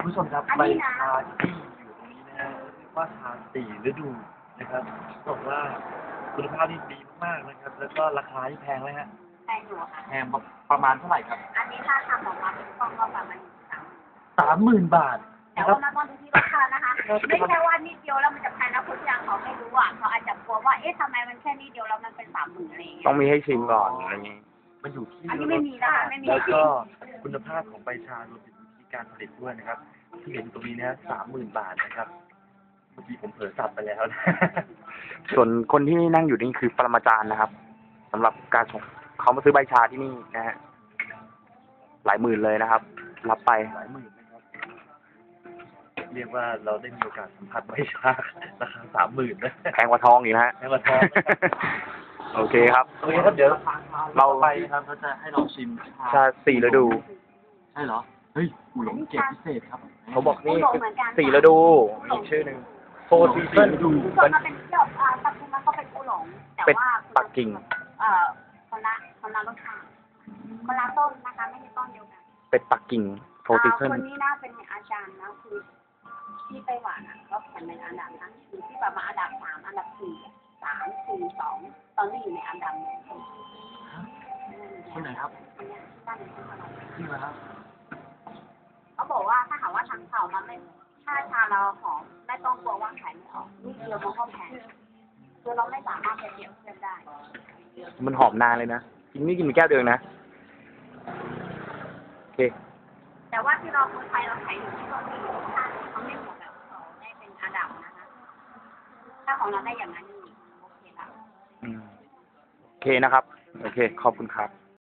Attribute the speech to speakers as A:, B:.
A: คุณผู้ชมครับใบชาที่อยู่ตรงนี้นะฮะเรียกว่าชาสี่ฤดูนะครับบอกว่าคุณภาพที่ดีมากๆนะครับ แล้วก็ราคาที่แพงไหมฮะ
B: แพงอยู่ค่ะ
A: แพงประมาณเท่าไหร่ครับ
B: อันนี้ถ้าทำออกมาเป็นกล่องก็ประมาณ
A: 30,000 บาท
B: แต่
A: นะครั
B: ว่า
A: บ
B: มันต้องดูที่รสชาตินะคะไม่ใช่ว่านิดเดียวแล้วมันจะแพงนะคนที่เขาไม่รู้อ่ะเขาอาจจะกลัวว่าเอ๊ะทำไมมันแค่นิดเดียวแล้วมันเป็น30,000อะไรอย่างเงี้ย
C: ต้องมีให้ชิมก่อนอะไรอย่างนี้
A: มันอยู่ที่
B: อันนี้ไม่มีนะคะไม่มี
A: แล้วก็คุณภาพของใบชารวมถึงวิธีการผลิตด้วยนะครับ ที่เห็นตรงนี้นะ30,000 บาทนะครับเมื่อกี้ผมเผลอสับไปแล้วนะ
C: ส่วนคนที่นั่งอยู่นี่คือปรมาจารย์นะครับสำหรับการส่งเขามาซื้อใบชาที่นี่นะฮะหลายหมื่นเลยนะครับ รับไป
A: หลายหมื่นนะครับ เรียกว่าเราได้มีโอกาสสัมผัสใบชาราคา30,000นะ
C: แพงกว่าทองอีกนะฮะ
A: แพงกว่าทองนะครับ
C: โอเคครับ
A: โอเคครับเดี๋ยว
C: เรา
A: ไปนะครับเราจะให้ลองชิม
C: ชาสี่ฤดู
A: ใช่เหรอ เฮ้ยอูหลงเกรดพิเศษครับ
C: เขาบอกนี่สี่ฤดูมีชื่อหนึ่งโฟร์ซีซั่น
A: ดู
B: ส่วนมันเป็นเที่ยวปัจจุบันก็เป็นกูหลงแต่
C: เป็ด
B: ว่า
C: ปักกิ่ง
B: คนละรสชาติคนละต้นนะคะไม่ใช่ต้นเดียวกัน
C: เป็ดปักกิ่งโฟร์ซีซั่น
B: คนนี้น่าเป็นอาจารย์นะคือที่ไต้หวันอ่ะก็แข่งในอันดับนะคือที่ประมาณอันดับ3อันดับ4 3 4 2ตอนนี้อยู่ในอันดับ1
A: คนไหนครับจริงเหรอครับ
B: เขาบอกว่าถ้าหากว่าทางเขามันไม่ถ้าชาเราหอมไม่ต้องกลัวว่าขายไม่ออกนี่เดียวมันก็แพงคือเราไม่สามารถไปเปรียบเทียบได้
C: มันหอมนานเลยนะกินนี่กินไปแก้วเดียวนะโอเค
B: แต่ว่าที่เราคนไทยเราขายอยู่ที่ตรงนี้ถ้าเขาไม่หมดแบบเขาได้เป็นอันดับนะคะถ้าของเราได้อย่างนั้นนี่โอเคละ
C: โอเคนะครับ โอเค ขอบคุณครับ